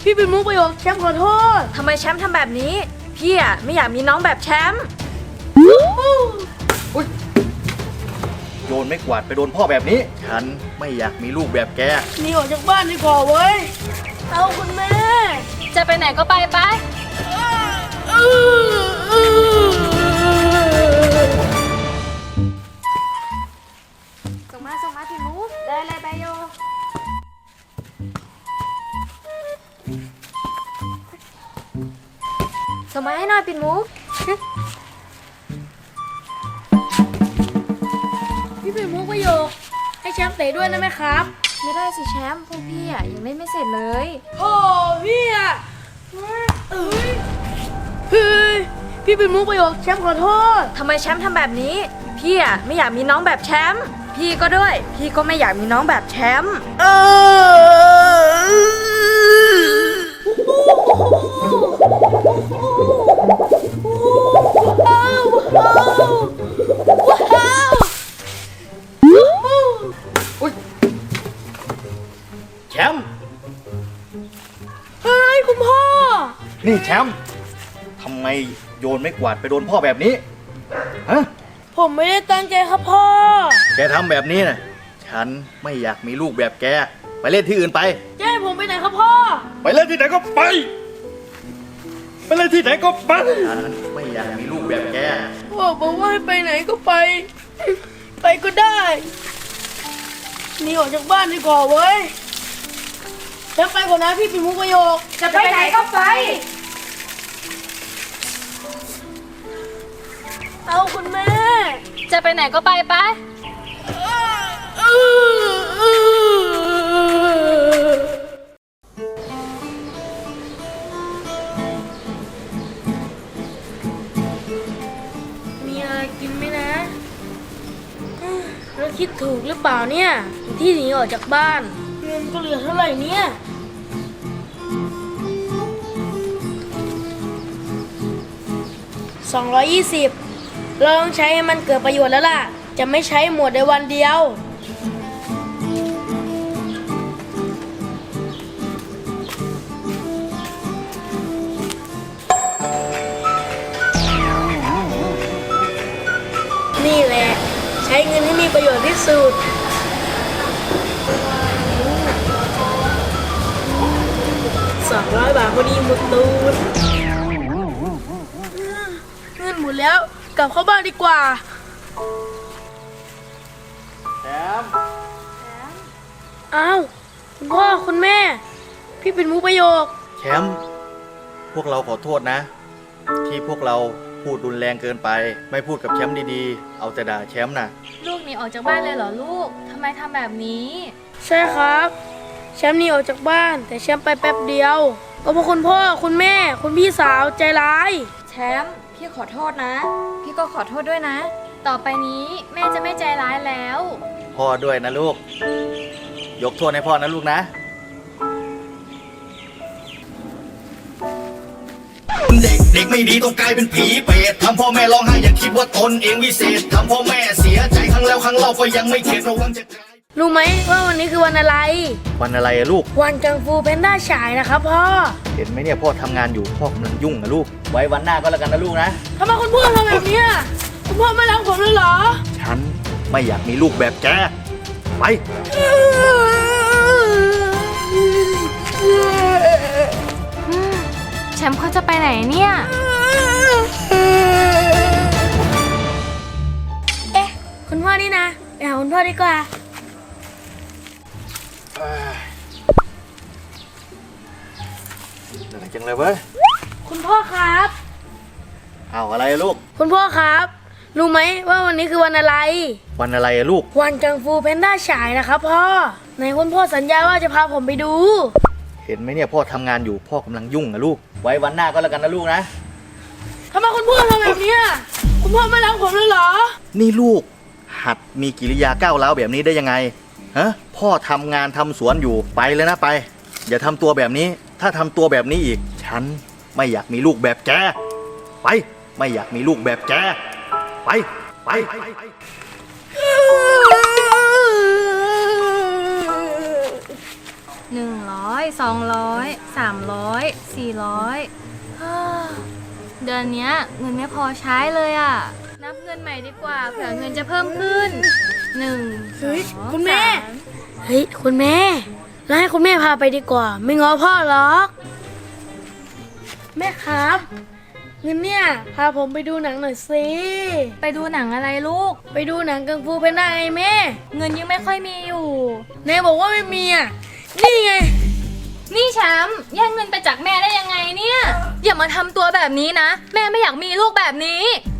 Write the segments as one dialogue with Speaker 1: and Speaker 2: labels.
Speaker 1: พี่เป็นมุกประโยคแชมป์ขอโทษ
Speaker 2: ทำไมแชมป์ทำแบบนี้พี่อะไม่อยากมีน้องแบบแชมป์
Speaker 3: โยนไม่กวาดไปโดนพ่อแบบนี้ฉันไม่อยากมีลูกแบบแก
Speaker 1: หนีออกจากบ้านดีกว่าเว้ยเอาคุณแม่
Speaker 2: จะไปไหนก็ไปไปส่งมาพี่มุกได้เลยไปโยส่งมาให้หน่อยปิ่นมุก
Speaker 1: พี่เป็นมุกประโยคให้แชมป์เตะด้วยนะแม่ครับ
Speaker 2: ไม่ได้สิแชมป์พวกพี่อะยังเล่นไม่เสร็จเลย
Speaker 1: โอ้พี่อ่ะเฮ้ยพี่เป็นมุกประโยคแชมป์ขอโทษ
Speaker 2: ทำไมแชมป์ทำแบบนี้พี่อะไม่อยากมีน้องแบบแชมป์พี่ก็ด้วยพี่ก็ไม่อยากมีน้องแบบแชมป์
Speaker 3: แชมป์
Speaker 1: เฮ้ยคุณพ่อ
Speaker 3: นี่แชมป์ทำไมโยนไม่กวาดไปโดนพ่อแบบนี้ฮะ
Speaker 1: ผมไม่ได้ตั้งใจครับพ่อ
Speaker 3: แกทำแบบนี้นะฉันไม่อยากมีลูกแบบแกไปเล่นที่อื่นไป
Speaker 1: จะให้ผมไปไหนครับพ่อ
Speaker 3: ไปเล่นที่ไหนก็ไปไปเล่นที่ไหนก็ไปฉันไม่อยากมีลูกแบบแก
Speaker 1: พ่อบอกว่าให้ไปไหนก็ไป ไปก็ได้หนีออกจากบ้านดีกว่าเว้ยจะไปก่อนนะพี่เป็นมุกประโยค
Speaker 2: จะไปไหนก็ไป
Speaker 1: เอาคุณแม่
Speaker 2: จะไปไหนก็ไปไป
Speaker 1: มีอะไรกินไหมนะเราคิดถูกหรือเปล่าเนี่ยที่หนีออกจากบ้านเงินก็เหลือเท่าไหร่เนี่ย220เราต้องใช้ให้มันเกิดประโยชน์แล้วล่ะ จะไม่ใช้หมดในวันเดียว นี่แหละ ใช้เงินให้มีประโยชน์ที่สุด200 บาทพอดีหมดตูนเงินหมดแล้วกลับเข้าบ้านดีกว่า
Speaker 3: แชมป์
Speaker 1: อ้าวคุณพ่อคุณแม่ พี่เป็นมุกประโยค
Speaker 3: แชมป์พวกเราขอโทษนะ ที่พวกเราพูดรุนแรงเกินไป ไม่พูดกับแชมป์ดีๆเอาแต่ด่าแชมป์นะ
Speaker 2: ลูกหนีออกจากบ้านเลยเหรอลูกทำไมทำแบบนี้
Speaker 1: ใช่ครับแชมป์หนีออกจากบ้าน แต่แชมป์ไปแป๊บเดียว ก็เพราะคุณพ่อคุณแม่ คุณพี่สาวใจร้าย
Speaker 2: แชมป์พี่ขอโทษนะ พี่ก็ขอโทษด้วยนะ ต่อไปนี้แม่จะไม่ใจร้ายแล้ว
Speaker 3: พ่อด้วยนะลูกยกโทษให้พ่อนะลูกนะ
Speaker 4: เด็กไม่ดีต้องกลายเป็นผีเปรตทำพ่อแม่ร้องไห้อย่าคิดว่าตนเองวิเศษทำพ่อแม่เสียใจครั้งแล้วครั้งเล่าก็ยังไม่เข็ดระวังจะกลาย
Speaker 1: รู้ไหมว่าวันนี้คือวันอะไร
Speaker 3: วันอะไรอะลูก
Speaker 1: วันกังฟูแพนด้าฉายนะครับพ่อ
Speaker 3: เห็นไหมเนี่ยพ่อทำงานอยู่พ่อกำลังยุ่งนะลูก ไว้วันหน้าก็แล้วกันนะลูกนะ
Speaker 1: ทำไมคุณพ่อทำแบบเนี้ยคุณพ่อไม่รักผมเลยเหรอ
Speaker 3: ฉันไม่อยากมีลูกแบบแกไป
Speaker 2: แชมป์เขาจะไปไหนเนี่ย
Speaker 1: เอ๊ะคุณพ่อนี่นะไปหาคุณพ่อดีกว่า
Speaker 3: เหนื่อยจังเลยเว้ย
Speaker 1: คุณพ่อครับ
Speaker 3: เอาอะไรอะลูก
Speaker 1: คุณพ่อครับ รู้ไหมว่าวันนี้คือวันอะไร
Speaker 3: วันอะไรอะลูก
Speaker 1: วันกังฟูแพนด้าฉายนะครับพ่อไหนคุณพ่อสัญญาว่าจะพาผมไปดู
Speaker 3: เห็นไหมเนี่ยพ่อทำงานอยู่พ่อกำลังยุ่งนะลูก ไว้วันหน้าก็แล้วกันนะลูกนะ
Speaker 1: ทำไมคุณพ่อทำแบบเนี้ยคุณพ่อไม่รักผมเลยเหรอ
Speaker 3: นี่ลูกหัดมีกิริยาก้าวร้าวแบบนี้ได้ยังไงฮะพ่อทำงานทำสวนอยู่ไปเลยนะไป อย่าทำตัวแบบนี้ ถ้าทำตัวแบบนี้อีก ฉันไม่อยากมีลูกแบบแกไป ไม่อยากมีลูกแบบแกไปไป
Speaker 5: 200 300 400เดือนเนี้ยเงินไม่พอใช้เลยอ่ะ นับเงินใหม่ดีกว่าเผื่อเงินจะเพิ่มขึ้น1
Speaker 1: เฮ้ย
Speaker 5: 2
Speaker 1: คุณแม่
Speaker 5: 3
Speaker 1: เฮ้ยคุณแม่แล้วให้คุณแม่พาไปดีกว่า ไม่ง้อพ่อหรอกแม่ครับเงินเนี่ยพาผมไปดูหนังหน่อยสิ
Speaker 5: ไปดูหนังอะไรลูก
Speaker 1: ไปดูหนังกังฟูเพนด้าไงแม่
Speaker 5: เงินยังไม่ค่อยมีอยู่
Speaker 1: แม่บอกว่าไม่มีอ่ะนี่ไง
Speaker 5: นี่แชมป์แย่งเงินไปจากแม่ได้ยังไงเนี่ย อย่ามาทำตัวแบบนี้นะ แม่ไม่อยากมีลูกแบบนี้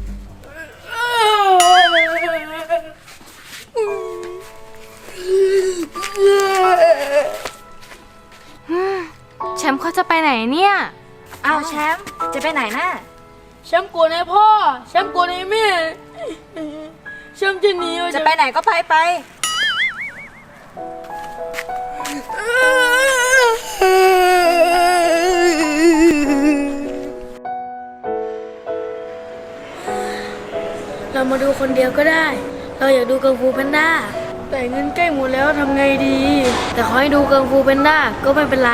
Speaker 5: แชมป์เขาจะไปไหนเนี่ย
Speaker 2: อ้าวแชมป์จะไปไหนน่ะ
Speaker 1: แชมป์โกรธไอ้พ่อแชมป์โกรธไอ้แม่แชมป์จะหนีออก
Speaker 2: จะ
Speaker 1: จาก
Speaker 2: ไปไหนก็ไปไป
Speaker 1: เรามาดูคนเดียวก็ได้ เราอยากดูกังฟูแพนด้าแต่เงินใกล้หมดแล้วทำไงดี แต่ขอให้ดูกังฟูแพนด้าก็ไม่เป็นไร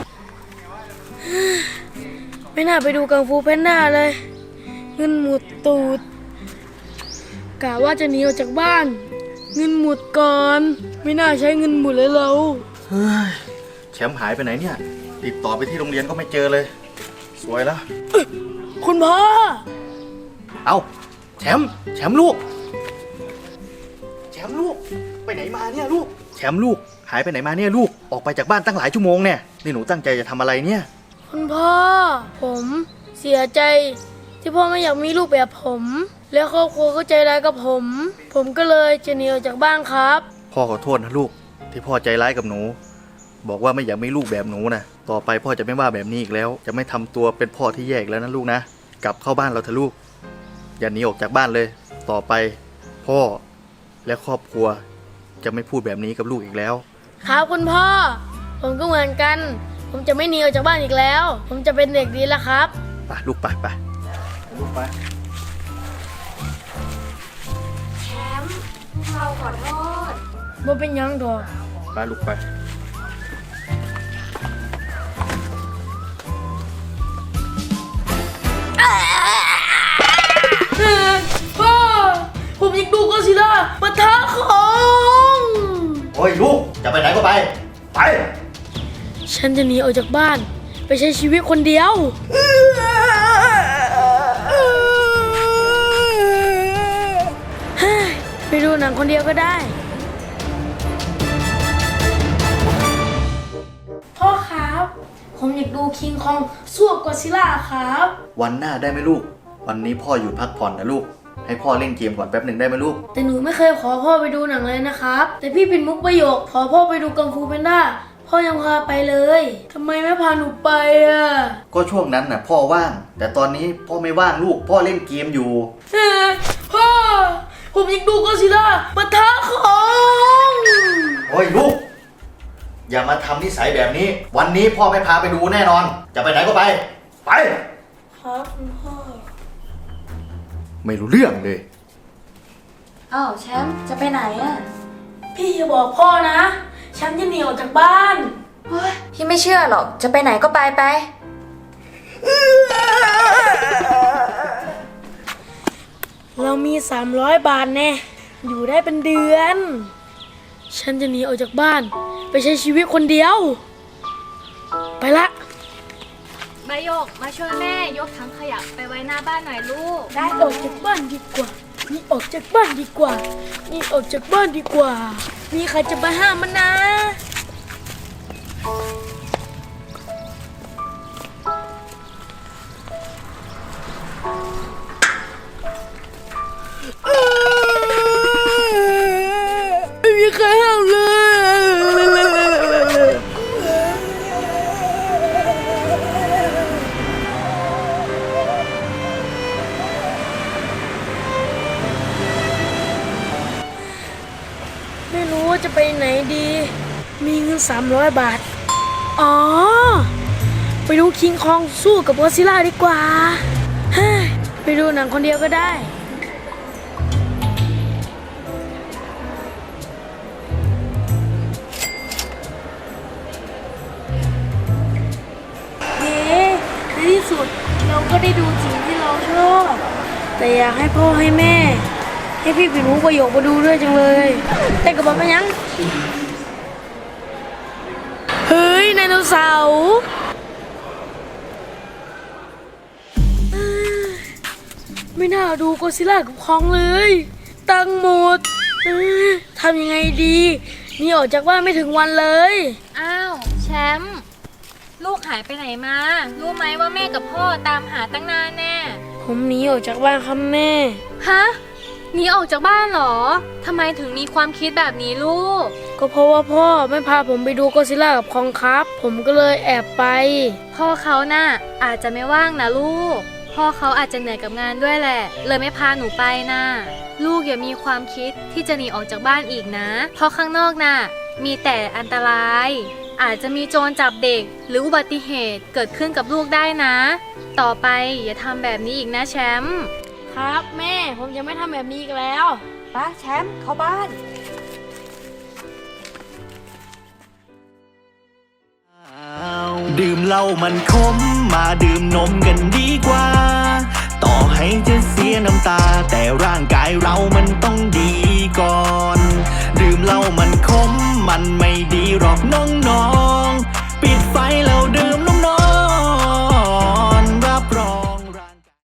Speaker 1: ไม่น่าไปดูกังฟูแพนด้าเลย เงินหมดตูดกะว่าจะหนีออกจากบ้าน เงินหมดก่อน ไม่น่าใช้เงินหมดเลยเรา
Speaker 3: เฮ้ยแชมป์หายไปไหนเนี่ย ติดต่อไปที่โรงเรียนก็ไม่เจอเลย สวยแล้ว
Speaker 1: คุณพ่อ
Speaker 3: เอาแชมป์ลูก แชมป์ลูก ไปไหนมาเนี่ยลูก แชมป์ลูก หายไปไหนมาเนี่ยลูก ออกไปจากบ้านตั้งหลายชั่วโมงเนี่ยนี่หนูตั้งใจจะทำอะไรเนี่ย
Speaker 1: คุณพ่อ ผมเสียใจ ที่พ่อไม่อยากมีลูกแบบผม แล้วครอบครัวก็ใจร้ายกับผม ผมก็เลยจะหนีออกจากบ้านครับ
Speaker 3: พ่อขอโทษนะลูก ที่พ่อใจร้ายกับหนู บอกว่าไม่อยากมีลูกแบบหนูนะต่อไปพ่อจะไม่ว่าแบบนี้อีกแล้ว จะไม่ทำตัวเป็นพ่อที่แยกแล้วนะลูกนะ กลับเข้าบ้านเราเถอะลูก อย่าหนีออกจากบ้านเลย ต่อไป พ่อและครอบครัว จะไม่พูดแบบนี้กับลูกอีกแล้ว
Speaker 1: ครับคุณพ่อ ผมก็เหมือนกัน ผมจะไม่หนีออกจากบ้านอีกแล้ว ผมจะเป็นเด็กดีแล้วครับ
Speaker 3: ไปลูกไปลูกไป
Speaker 1: บ่เป็นหยังดอก
Speaker 3: ไปลูกไป
Speaker 1: พ่อ ผมอยากดูก็อดซิลล่าปะทะของ
Speaker 3: โอ้ยลูก จะไปไหนก็ไป ไป
Speaker 1: ฉันจะหนีออกจากบ้าน ไปใช้ชีวิตคนเดียว เฮ้ยไปดูหนังคนเดียวก็ได้ พ่อครับ ผมอยากดูคิงคองสู้กับก็อดซิลล่าครับ
Speaker 3: วันหน้าได้ไหมลูก วันนี้พ่อหยุดพักผ่อนนะลูก ให้พ่อเล่นเกมก่อนแป๊บหนึ่งได้ไหมลูก
Speaker 1: แต่หนูไม่เคยขอพ่อไปดูหนังเลยนะครับ แต่พี่ปิ่นมุกประโยคขอพ่อไปดูกังฟูแพนด้าพ่อยังพาไปเลยทำไมไม่พาหนูไปอ่ะ
Speaker 3: ก็ช่วงนั้นน่ะพ่อว่าง แต่ตอนนี้พ่อไม่ว่างลูก พ่อเล่นเกมอยู่
Speaker 1: พ่อ ผมอยากดูก็อดซิลล่าปะทะของ
Speaker 3: โอ้ยลูก อย่ามาทำนิสัยแบบนี้ วันนี้พ่อไม่พาไปดูแน่นอน จะไปไหนก็ไป ไป
Speaker 1: ครับคุณพ่อ
Speaker 3: ไม่รู้เรื่องเลย
Speaker 2: อ้าวแชมป์จะไปไหนอ่ะ
Speaker 1: พี่อย่าบอกพ่อนะฉันจะหนีออกจากบ้าน
Speaker 2: เฮ้ยพี่ไม่เชื่อหรอก จะไปไหนก็ไปไป
Speaker 1: เรามี300 บาทแน่อยู่ได้เป็นเดือน ฉันจะหนีออกจากบ้าน ไปใช้ชีวิตคนเดียว ไปละ
Speaker 5: ใบโยกมาช่วยแม่ยกถังขยะไปไว้หน้าบ้านหน่อยลูก
Speaker 1: ได้ออกจากบ้านดีกว่า นี่ออกจากบ้านดีกว่า นี่ออกจากบ้านดีกว่า มีใครจะมาห้ามมันนะ ไม่มีใครห้ามเลย ไม่รู้ว่าจะไปไหนดี มีเงิน300 บาท อ๋อ ไปดูคิงคองสู้กับก็อดซิลล่าดีกว่าเฮ้ยไปดูหนังคนเดียวก็ได้ได้ดูสิ่งที่เราชอบแต่อยากให้พ่อให้แม่ ให้พี่ปิ่นมุกประโยคมาดูด้วยจังเลยแต่กระบอกมันยังเฮ้ยไดโนเสาร์ไม่น่าดูก็อดซิลล่ากับคองเลยตังค์หมดทำยังไงดีนี่ออกจากบ้านไม่ถึงวันเลย
Speaker 5: อ้าวแชมป์ลูกหายไปไหนมา รู้ไหมว่าแม่กับพ่อตามหาตั้งนานแน่
Speaker 1: ผมหนีออกจากบ้านครับแม่
Speaker 5: ฮะหนีออกจากบ้านเหรอทำไมถึงมีความคิดแบบนี้ลูก
Speaker 1: ก็เพราะว่าพ่อไม่พาผมไปดูก็อดซิลล่ากับคองครับ ผมก็เลยแอบไป
Speaker 5: พ่อเขาน่ะอาจจะไม่ว่างนะลูก พ่อเขาอาจจะเหนื่อยกับงานด้วยแหละ เลยไม่พาหนูไปนะลูกอย่ามีความคิดที่จะหนีออกจากบ้านอีกนะ เพราะข้างนอกน่ะมีแต่อันตราย อาจจะมีโจรจับเด็กหรืออุบัติเหตุเกิดขึ้นกับลูกได้นะ ต่อไปอย่าทำแบบนี้อีกนะแชมป์
Speaker 1: ครับแม่ผมจะไม่ทำแบบนี้อีกแล้ว
Speaker 2: ป้าแชมป์เข้าบ้าน
Speaker 6: ดื่มเหล้ามันขมมาดื่มนมกันดีกว่า ต่อให้จะเสียน้ำตา แต่ร่างกายเรามันต้องดีก่อน